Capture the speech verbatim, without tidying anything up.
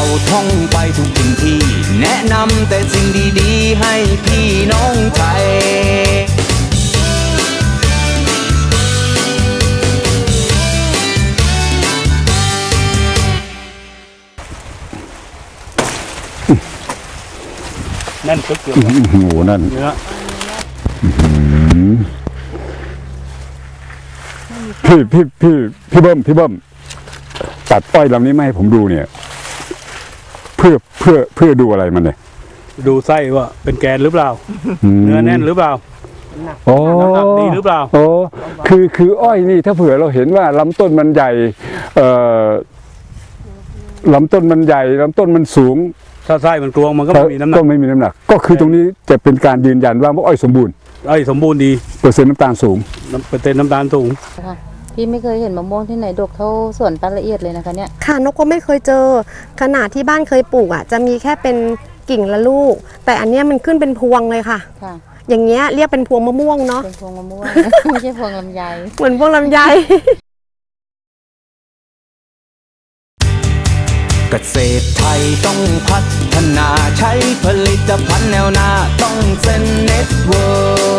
ท่องไปทุกถิ่นที่แนะนำแต่สิ่งดีๆให้พี่น้องไทยนั่นก็เกี่ยวกับโอ้โหนั่นเนื้อพี่พี่พี่พี่เบิ้มพี่เบิ้มตัดอ้อยลำนี้มาให้ผมดูเนี่ย เพื่อเพื่อเพื่อดูอะไรมันเนี่ยดูไส้ว่าเป็นแกนหรือเปล่ามเนื้อแน่นหรือเปล่าโอ้น้ำหนักดีหรือเปล่าโอ้คือคืออ้อยนี่ถ้าเผื่อเราเห็นว่าลำต้นมันใหญ่เอ่อลำต้นมันใหญ่ลำต้นมันสูงถ้าไส้มันกลวงมันก็ไม่มีน้ำหนัก็กไม่มีน้ำหนัก ก็คือตรงนี้จะเป็นการยืนยันว่าอ้อยสมบูรณ์ไอ้สมบูรณ์ดีเปอร์เซ็นต์น้ำตาลสูงน้ำเปอร์เซ็นต์น้ำตาลสูงค่ะพี่ไม่เคยเห็นมะม่วงที่ไหนดกเท่าสวนป้าละเอียดเลยนะคะเนี่ยค่ะนกก็ไม่เคยเจอขนาดที่บ้านเคยปลูกอ่ะจะมีแค่เป็นกิ่งละลูก แต่อันเนี้ยมันขึ้นเป็นพวงเลยค่ะค่ะอย่างเงี้ยเรียกเป็นพวงมะม่วงเนาะเป็นพวงมะม่วง ไม่ใช่พวงลำไยเหมือนพวงลำไยเกษตรไทยต้องพัฒนาใช้ผลิตภัณฑ์แนวหน้าต้องเซ็นเน็ตเวิร์